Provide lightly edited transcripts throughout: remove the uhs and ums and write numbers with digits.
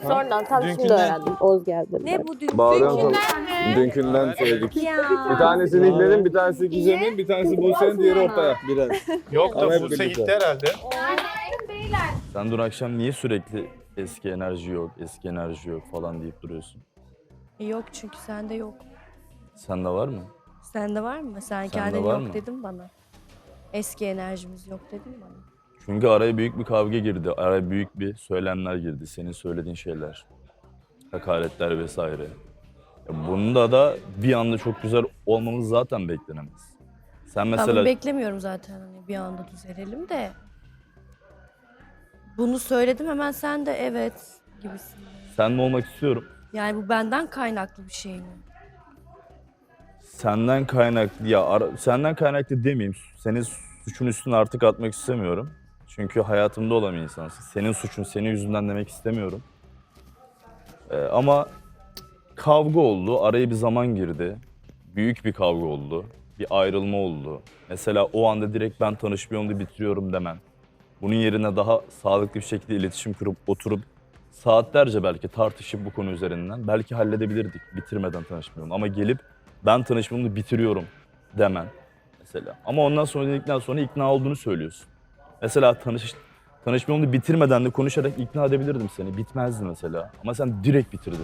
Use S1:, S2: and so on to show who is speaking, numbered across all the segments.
S1: Sonradan tam şimdi öğrendim. Oğuz geldi.
S2: Ne bu dün?
S3: Bağlıyorum dünkünden söyledik.
S2: Ya.
S3: Bir tanesi Nihle'nin, bir tanesi Gizem'in, bir tanesi Buse'nin, diğeri Ortaya. Biraz.
S4: Yok
S3: Ama
S4: da
S3: hep
S4: Buse
S3: birlikte.
S4: gitti herhalde.
S5: Sen dün akşam niye sürekli eski enerji yok, eski enerji yok falan deyip duruyorsun?
S2: Yok çünkü sende yok.
S5: Sende var mı?
S2: Sende var mı? Sen kendin
S5: var
S2: yok
S5: mı?
S2: dedin bana. Eski enerjimiz yok dedin bana.
S5: Çünkü araya büyük bir kavga girdi. Araya büyük bir söylemler girdi. Senin söylediğin şeyler. Hakaretler vesaire. Bunda da bir anda çok güzel olmamız zaten beklenemez. Sen
S2: Ben
S5: mesela
S2: bunu beklemiyorum zaten hani bir anda düzelelim de. Bunu söyledim hemen sen de evet gibisin.
S5: seninle olmak istiyorum.
S2: Yani bu benden kaynaklı bir şey mi?
S5: Senden kaynaklı senden kaynaklı demeyeyim. Senin suçun üstüne artık atmak istemiyorum. Çünkü hayatımda olan bir insansın. Senin suçun senin yüzünden demek istemiyorum. Ama kavga oldu. Araya bir zaman girdi. Büyük bir kavga oldu. Bir ayrılma oldu. Mesela o anda direkt ben tanışmıyorum da bitiriyorum demem. Bunun yerine daha sağlıklı bir şekilde iletişim kurup oturup saatlerce belki tartışıp bu konu üzerinden belki halledebilirdik bitirmeden tanışmıyorum. Ama gelip ben tanışmamı bitiriyorum demem mesela. Ama ondan sonra dedikten sonra ikna olduğunu söylüyorsun. Mesela tanışmamı bitirmeden de konuşarak ikna edebilirdim seni. Bitmezdi mesela. Ama sen direkt bitirdin.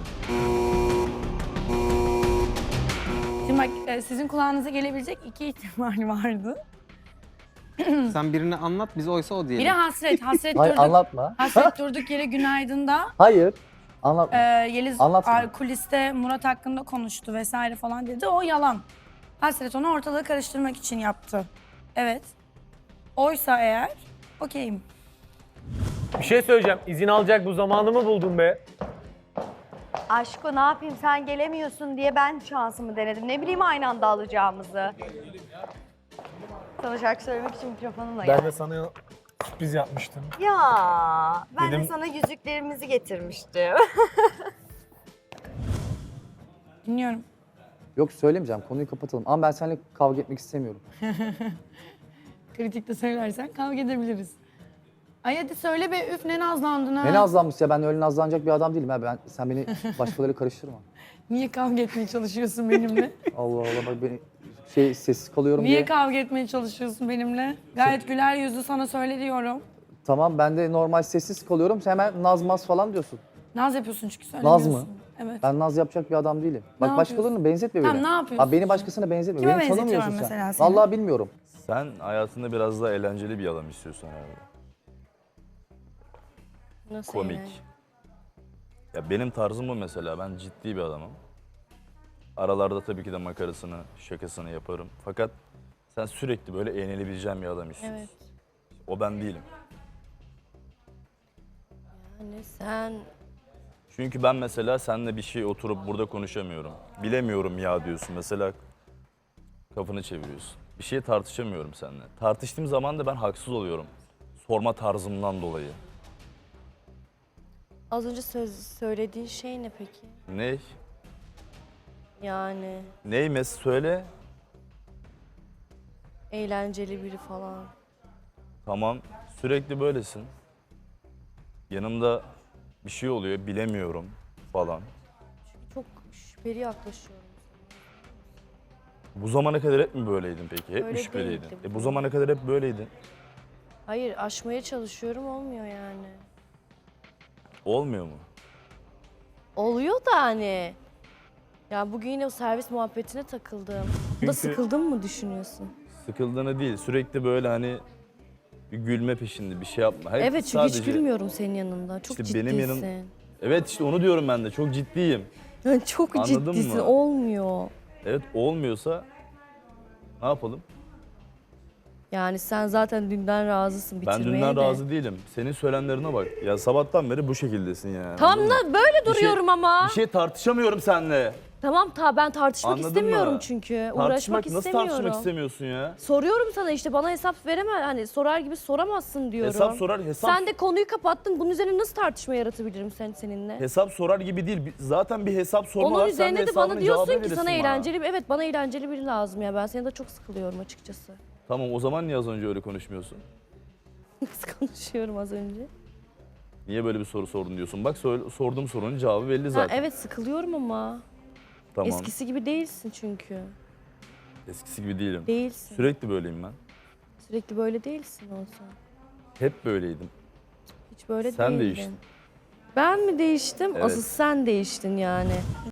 S6: Şimdi bak sizin kulağınıza gelebilecek iki ihtimal vardı.
S7: Sen birini anlat, biz oysa o diyelim.
S6: Biri hasret. Hasret
S8: Hayır
S6: durduk.
S8: anlatma.
S6: Hasret durduk yere günaydın'da.
S8: Hayır. Anlatma.
S6: Yeliz
S8: Anlatma.
S6: kuliste Murat hakkında konuştu vesaire falan dedi. O yalan. Hasret onu ortalığı karıştırmak için yaptı. Evet. Oysa eğer okeyim.
S4: Bir şey söyleyeceğim. İzin alacak bu zamanı mı buldun be?
S9: Aşko ne yapayım sen gelemiyorsun diye ben şansımı denedim. Ne bileyim aynı anda alacağımızı. Sana şarkı söylemek için mikrofonumla geldim.
S4: Ben de sana sürpriz yapmıştım.
S9: Ya ben de
S4: Dedim-
S9: sana yüzüklerimizi getirmiştim.
S6: Dinliyorum.
S8: Yok söylemeyeceğim. Konuyu kapatalım. Ama ben seninle kavga etmek istemiyorum.
S6: Kritikte söylersen kavga edebiliriz. Ay hadi söyle be üf ne nazlandın ha.
S8: Ne nazlanmış ya? Ben öyle nazlanacak bir adam değilim. Sen beni başkalarıyla karıştırma.
S6: Niye kavga etmeye çalışıyorsun benimle?
S8: Allah Allah bak beni sessiz kalıyorum
S6: Niye
S8: diye.
S6: kavga etmeye çalışıyorsun benimle? Gayet güler yüzlü sana söyle diyorum.
S8: Tamam ben de normal sessiz kalıyorum. Sen hemen nazmaz falan diyorsun.
S6: Naz yapıyorsun çünkü
S8: Naz
S6: söylemiyorsun.
S8: mı?
S6: Evet.
S8: Ben naz yapacak bir adam değilim. Bak
S6: Ne
S8: başkalarını benzetme beni.
S6: Tamam, ne yapıyorsun
S8: Abi beni
S6: sen?
S8: başkasına benzetme.
S6: Kime
S8: Beni
S6: benzetiyorum
S8: tanımıyorsun
S6: mesela
S8: sen.
S6: seni?
S8: Vallahi bilmiyorum.
S5: Sen hayatında biraz daha eğlenceli bir adam istiyorsun herhalde.
S2: Nasıl
S5: Komik.
S2: yani?
S5: Ya benim tarzım bu mesela. Ben ciddi bir adamım. Aralarda tabii ki de makarasını, şakasını yaparım. Fakat sen sürekli böyle eğlenebileceğin bir adam istiyorsun.
S2: Evet.
S5: O ben değilim.
S2: Yani sen
S5: Çünkü ben mesela seninle bir şey oturup burada konuşamıyorum. Bilemiyorum ya diyorsun. Mesela kafanı çeviriyorsun. Bir şey tartışamıyorum seninle. Tartıştığım zaman da ben haksız oluyorum. Sorma tarzımdan dolayı.
S2: az önce söylediğin şey ne peki?
S5: Ne?
S2: Yani
S5: Neymiş söyle.
S2: eğlenceli biri falan.
S5: Tamam. Sürekli böylesin. Yanımda bir şey oluyor bilemiyorum falan.
S2: Çok şüpheli yaklaşıyorum.
S5: Bu zamana kadar hep mi böyleydin peki? Hep mi
S2: Öyle
S5: şüpheliydin?
S2: değildim.
S5: Bu zamana kadar hep böyleydin.
S2: Hayır aşmaya çalışıyorum olmuyor yani.
S5: Olmuyor mu?
S2: Oluyor da hani. Ya bugün yine o servis muhabbetine takıldım. Bu da
S5: Çünkü-
S2: sıkıldın mı düşünüyorsun?
S5: Sıkıldığını değil. Sürekli böyle hani bir gülme peşinde bir şey yapma. Hep
S2: Evet çünkü hiç gülmüyorum senin yanında. Çok
S5: İşte
S2: ciddisin.
S5: benim yanım- Evet işte onu diyorum ben de. Çok ciddiyim.
S2: Çok
S5: Anladın
S2: ciddisin.
S5: mı?
S2: Olmuyor.
S5: Evet olmuyorsa ne yapalım?
S2: Yani sen zaten dünden razısın
S5: Ben
S2: bitirmeye
S5: dünden
S2: de.
S5: razı değilim. Senin söylemlerine bak. Ya sabahtan beri bu şekildesin yani.
S2: Tam
S5: anladın mı?
S2: da böyle
S5: Bir şey-
S2: duruyorum ama.
S5: Bir şey tartışamıyorum seninle.
S2: Tamam ben tartışmak
S5: Anladın
S2: istemiyorum
S5: mı?
S2: çünkü.
S5: Tartışmak
S2: Uğraşmak
S5: nasıl
S2: istemiyorum.
S5: tartışmak istemiyorsun ya?
S2: Soruyorum sana işte bana hesap veremem. Hani sorar gibi soramazsın diyorum.
S5: Hesap sorar
S2: Sen de konuyu kapattın. Bunun üzerine nasıl tartışma yaratabilirim seninle?
S5: Hesap sorar gibi değil. Zaten bir hesap sorma
S2: Onun
S5: var. Sen de
S2: üzerine de
S5: hesabının
S2: bana diyorsun
S5: cevabını
S2: ki sana
S5: verirsin bana.
S2: eğlenceli evet bana eğlenceli biri lazım ya. Ben seni de çok sıkılıyorum açıkçası.
S5: Tamam o zaman niye az önce öyle konuşmuyorsun?
S2: Nasıl konuşuyorum az önce?
S5: Niye böyle bir soru sordun diyorsun. Bak sorduğum sorunun cevabı belli
S2: Ha,
S5: zaten.
S2: evet sıkılıyorum ama.
S5: Tamam.
S2: Eskisi gibi değilsin çünkü.
S5: Eskisi gibi değilim.
S2: Değilsin.
S5: Sürekli böyleyim ben.
S2: Sürekli böyle değilsin olsa.
S5: Hep böyleydim.
S2: Hiç böyle
S5: Sen
S2: değildin.
S5: değiştin.
S2: Ben mi değiştim?
S5: Evet.
S2: Asıl sen değiştin yani.